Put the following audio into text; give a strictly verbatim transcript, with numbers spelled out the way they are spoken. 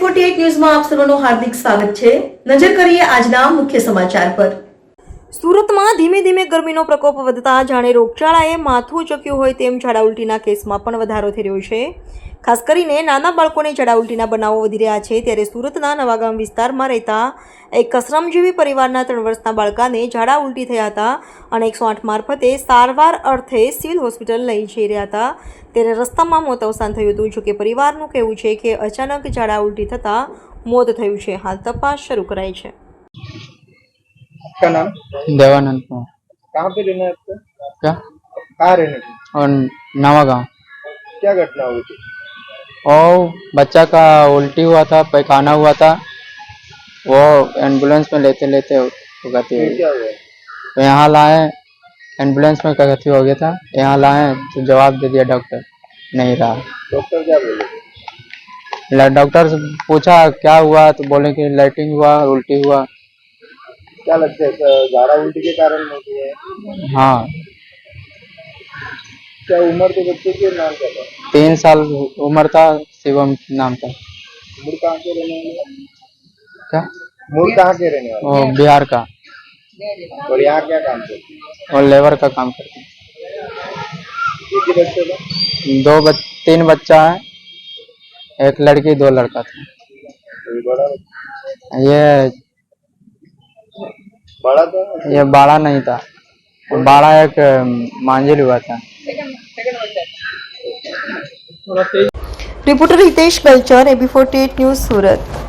અઠ્યાવીસ ન્યૂઝમાં આપ સર્વનું હાર્દિક સ્વાગત છે। નજર કરીએ આજના મુખ્ય સમાચાર પર। સુરતમાં ધીમે ધીમે ગરમીનો પ્રકોપ વધતા જાણે રોગચાળાએ માથું ચક્યું હોય તેમ ઝાડા ઉલટીના કેસમાં પણ વધારો થઈ રહ્યો છે। ખાસ કરીને નાના બાળકોને ઝાડા ઉલટીના બનાવો વધી રહ્યા છે। ત્યારે સુરતના નવાગામ વિસ્તારમાં રહેતા એક કસરમજીવી પરિવારના ત્રણ વર્ષના બાળકાને ઝાડા ઉલટી થયા હતા અને એકસો આઠ મારફતે સારવાર અર્થે સિવિલ હોસ્પિટલ લઈ જઈ રહ્યા હતા। ત્યારે રસ્તામાં મોત અવસાન થયું હતું। જોકે પરિવારનું કહેવું છે કે અચાનક ઝાડા ઉલટી થતાં મોત થયું છે। હાલ તપાસ શરૂ કરાઈ છે। आपका नाम? देवानंद कुमार। कहाँ पे रहना है आपको? क्या? कहाँ रहने की? और नवा गाँव। क्या घटना हुई थी? और बच्चा का उल्टी हुआ था, पैखाना हुआ था, वो एम्बुलेंस में लेते लेते गति हो फिर गई। क्या हुआ? तो यहाँ लाए, एम्बुलेंस में गति हो गया था, यहाँ लाए तो जवाब दे दिया डॉक्टर नहीं रहा। डॉक्टर क्या बोले? डॉक्टर से पूछा क्या हुआ तो बोले कि लाइटिंग हुआ, उल्टी हुआ। क्या लगता है झाड़ा उल्टी के कारण होती है? हाँ। क्या उम्र के बच्चे के नाम क्या था? तीन साल उम्र था, शिवम नाम था। मूल कहाँ के रहने वाले? क्या? मूल कहाँ के रहने वाले? वो बिहार का। और यहाँ क्या काम करते? और लेबर का काम करते हैं। एक ही बच्चे का? दो बच, तीन बच्चा है, एक लड़की दो लड़का था। कोई बड़ा बच्चा? ये बड़ा था? ये बाड़ा नहीं था, बाड़ा एक मांझिल हुआ था। Reporter Hitesh Galchar, AB forty eight news, सूरत।